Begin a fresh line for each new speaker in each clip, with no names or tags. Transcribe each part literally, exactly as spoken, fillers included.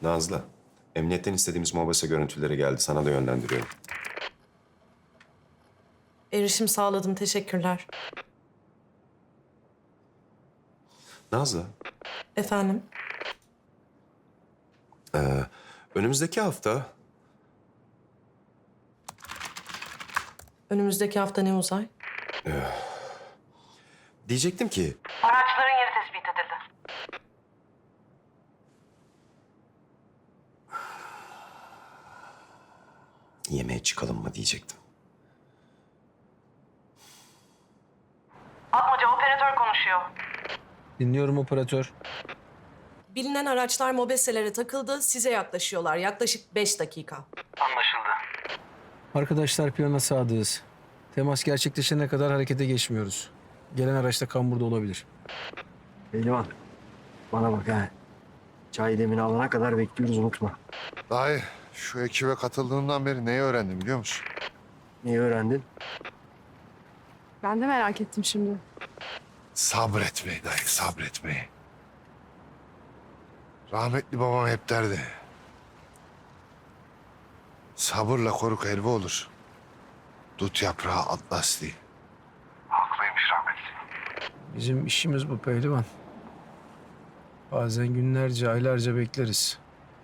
Nazlı, emniyetten istediğimiz mobese görüntüleri geldi. Sana da yönlendiriyorum.
Erişim sağladım, teşekkürler.
Nazlı,
Efendim?
önümüzdeki hafta
Önümüzdeki hafta ne Uzay?
diyecektim ki
Araçların yeri tespit edildi.
yemeğe çıkalım mı diyecektim.
Atmaca operatör konuşuyor.
Dinliyorum operatör.
Bilinen araçlar mobeselere takıldı, size yaklaşıyorlar. Yaklaşık beş dakika.
Arkadaşlar plana sadığız. Temas gerçekleşene kadar harekete geçmiyoruz. Gelen araçta kamburda olabilir.
Pehlivan, bana bak ha. Çay demini alana kadar bekliyoruz, unutma.
Dayı, şu ekibe katıldığından beri neyi öğrendim biliyor musun?
Neyi öğrendin?
Ben de merak ettim şimdi.
Sabretmeyi dayı, sabretmeyi. Rahmetli babam hep derdi. Sabırla koruk helva olur. Dut yaprağı atlas değil. Haklıymış rahmetli.
Bizim işimiz bu pehlivan. Bazen günlerce, aylarca bekleriz.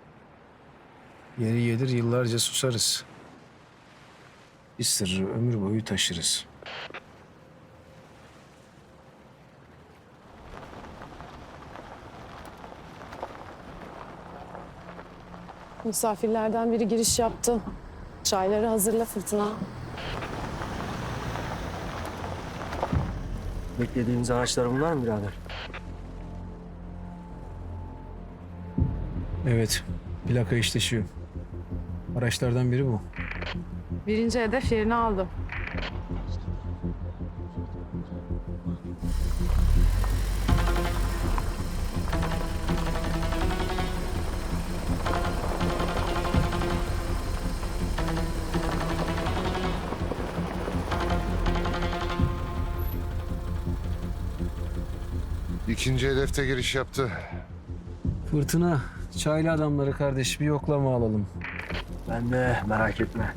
Yeri gelir yıllarca susarız. Bir sırrı ömür boyu taşırız.
Misafirlerden biri giriş yaptı. Çayları hazırla Fırtına.
Beklediğimiz araçlar bunlar mı birader?
Evet, plaka eşleşiyor. Araçlardan biri bu.
Birinci hedef yerini aldı.
İkinci hedefte giriş yaptı.
Fırtına, çaylı adamları kardeş bir yoklama alalım.
Ben de merak etme.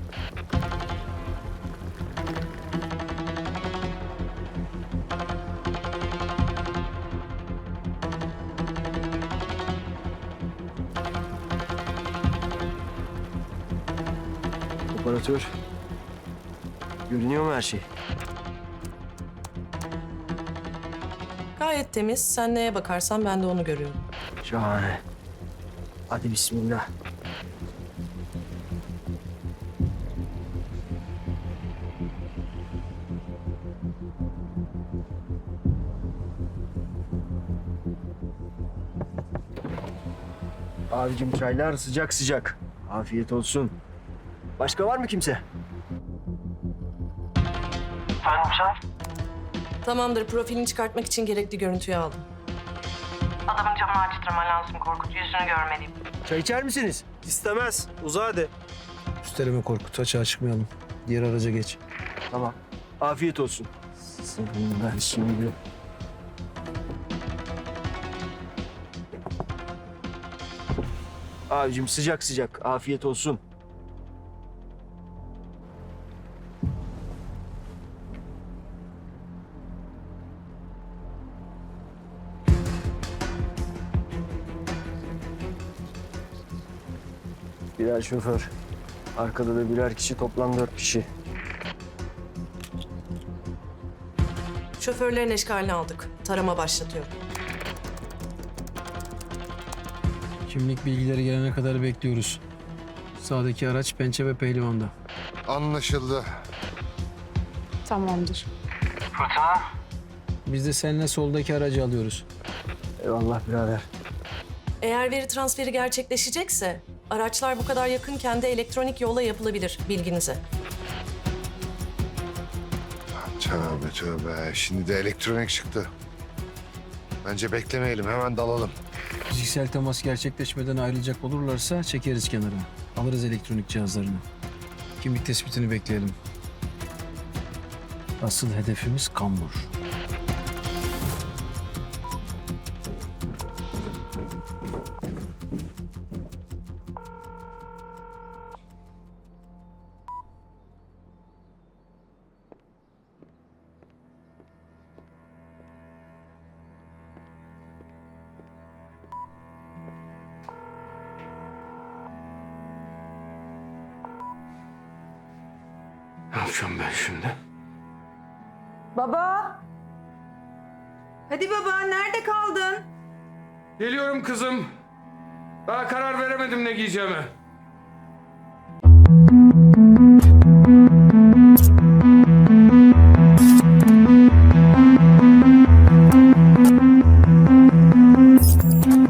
Operatör. Görünüyor mu her şey?
Gayet temiz. Sen neye bakarsan ben de onu görüyorum.
Şahane. Hadi bismillah. Abicim çaylar sıcak sıcak. Afiyet olsun. Başka var mı kimse?
Tamamdır, profilini çıkartmak için gerekli görüntüyü aldım. Adamın camını açtırman lazım Korkut. Yüzünü görmeliyim.
Çay içer misiniz?
İstemez. Uza hadi.
Üsteleme Korkut, açığa çıkmayalım. Diğer araca geç.
Tamam. Afiyet olsun. Senin ben şimdi... Abicim sıcak sıcak. Afiyet olsun. Birer şoför. Arkada da birer kişi, toplam dört kişi.
Şoförlerin eşkalini aldık. Tarama başlatıyorum.
Kimlik bilgileri gelene kadar bekliyoruz. Sağdaki araç Pençe ve Pehlivan'da.
Anlaşıldı.
Tamamdır.
Biz de seninle soldaki aracı alıyoruz.
Eyvallah birader.
Eğer veri transferi gerçekleşecekse araçlar bu kadar yakınken de elektronik yolla yapılabilir, bilginize.
Tövbe tövbe. Şimdi de elektronik çıktı. Bence beklemeyelim. Hemen dalalım.
Fiziksel temas gerçekleşmeden ayrılacak olurlarsa çekeriz kenara. Alırız elektronik cihazlarını. Kimlik tespitini bekleyelim. Asıl hedefimiz kambur.
yapacağım ben şimdi?
Baba. Hadi baba, nerede kaldın?
Geliyorum kızım. Daha karar veremedim ne giyeceğime.